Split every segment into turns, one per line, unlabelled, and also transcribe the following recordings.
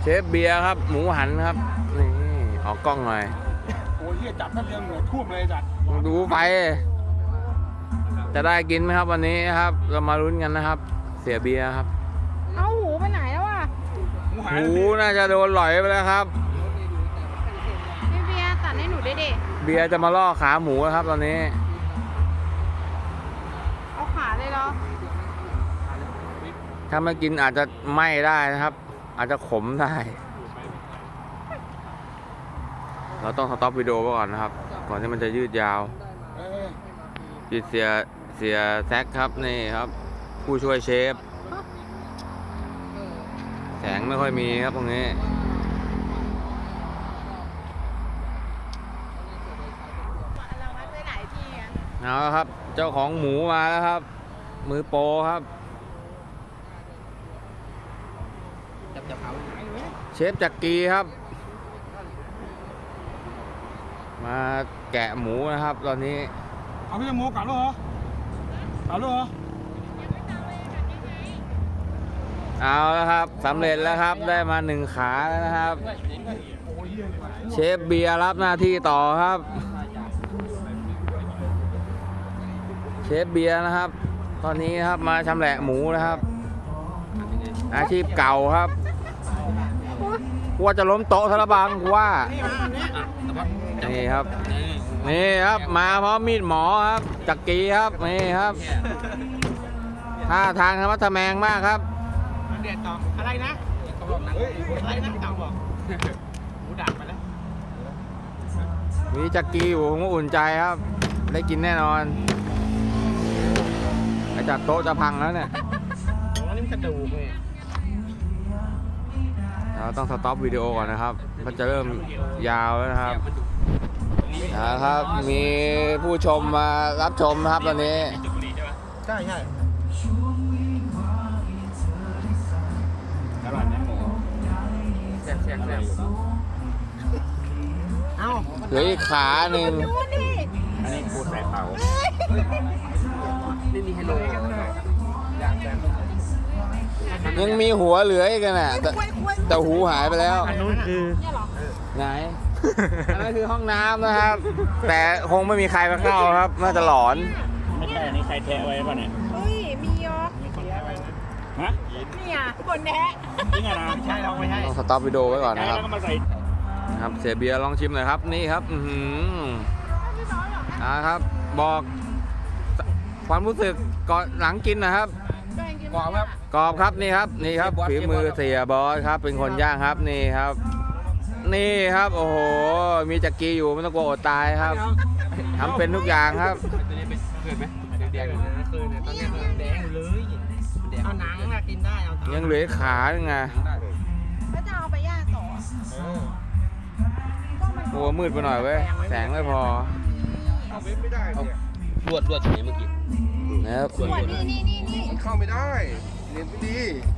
เชฟเบียร์ครับหมูหันครับนี่ออกกล้องหน่อย
โอ้ยเฮียจับแป๊บเดียวเหงื่อท่วมเลยจัด
ดูไปจะได้กินไหมครับวันนี้ครับเรามาลุ้นกันนะครับเสียเบียร์ครับ
เอาหูไปไหนแล้วอ่ะ
หูน่าจะโดนหลอยไปแล้วครับ
พี่เบียร์ตัดให้หนูได้ดิ
เบียร์จะมาล่อขาหมูครับตอนนี้
เอาขาเลยเหรอ
ถ้าไม่กินอาจจะไหม้ได้นะครับอาจจะขมได้เราต้องสต็อปวิดีโอไว้ก่อนนะครับก่อนที่มันจะยืดยาวยืดเสียแซกครับนี่ครับผู้ช่วยเชฟแสงไม่ค่อยมีครับตรงนี้เอาละครับเจ้าของหมูมาแล้วครับมือโปรครับเชฟจักรีครับมาแกะหมูนะครับตอนนี้
เอาพี่หมูกลับแล้วเหรอ
เอาแล้วครับสำเร็จแล้วครับได้มา1 ขาแล้วนะครับเชฟเบียร์รับหน้าที่ต่อครับเชฟเบียร์นะครับตอนนี้ครับมาชำแหละหมูนะครับอาชีพเก่าครับว่าจะล้มโต๊ะทะบังว่านี่ครับมาพร้อมมีดหมอครับจักรีครับนี่ครับท่าทางธรรมะทะแมงมากครับ
เด็ดต่ออะไรนะอะไรนะต่อบอกหมูดักไปแล้ว
มีจักรีอยู่ผมก็อุ่นใจครับได้กินแน่นอนไอ้จัดโต๊ะจะพังแล้วเนี่ย
นี่มันกระดูกเลย
เราต้องสต็อปวิดีโอก่อนนะครับมันจะเริ่มยาวแล้วนะครับมีผู้ชมมารับชมครับตอนนี้
ใช่อร่อยนะหมูแซ่บเอา
เหลืออีกขาหนึ่ง
อันนี้ปูใส่เผาไม่มีให้ลง
ยังมีหัวเหลืออีกน่ะแต่หูหายไปแล้ว
อันนู้นคือ
ไหนอันนั้นคือห้องน้ำนะครับแต่คงไม่มีใครมาเข้าครับน่าจะหลอน
ไม่ใช่อันนี้ใครแทะไว้ป่ะเนี่ย
เฮ้ยมีเหรอ
ฮะ
เนี่ยคนแทะ
จริงเหรอใช่เราไม่ใช่
ต้องสต็อปวิดีโอไว้ก่อนนะครับครับเสียเบียร์ลองชิมหน่อยครับนี่ครับครับบอกความรู้สึกก่อนหลังกินนะครับ
กรอบครับ
นี่ครับฝีมือเสียบอสครับเป็นคนย่างครับนี่ครับโอ้โหมีจักรีอยู่ไม่ต้องกลัวอดตายครับทำเป็นทุกอย่างครับ
แดงคือเนี่ยตอนนี้แดงเลยเอาหนังมากินได้
ยังเหลือขาไง
แล้วจะเอาไปย่างต่อ
โอ้มืดไปหน่อยเว้ยแสงไม่พอ
รวดอย่างนี้เมื่อกี้
นะครับ
นี่
เข้าไม่ได้เรียนไม่ดี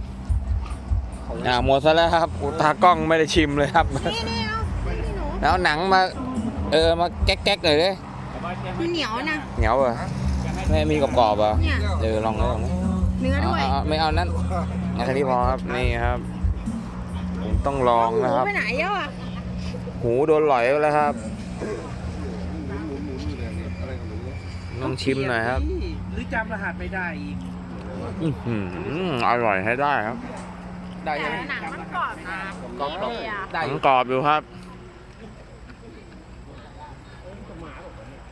หมดซะแล้วครับตากล้องไม่ได้ชิมเลยครับแล้วหนังมามาแก๊กๆเลยดิ
มันเหนียวนะ
เหนียวเหรอไม่มีกรอบๆเหรอลอง
เนื้อด้วย
ไม่เอานั้นแค่นี้พอครับนี่ครับผมต้องลองนะครับ
หูไปไหนอ่ะ
หูโดนหลอยไปแล้วครับต้องชิมหน่อยครับ
หรือจำรหัสไม่ได้อีก
อร่อยให้ได้ครับ
ได้หนังมันกรอบนะ
กรอบอยู่ครับ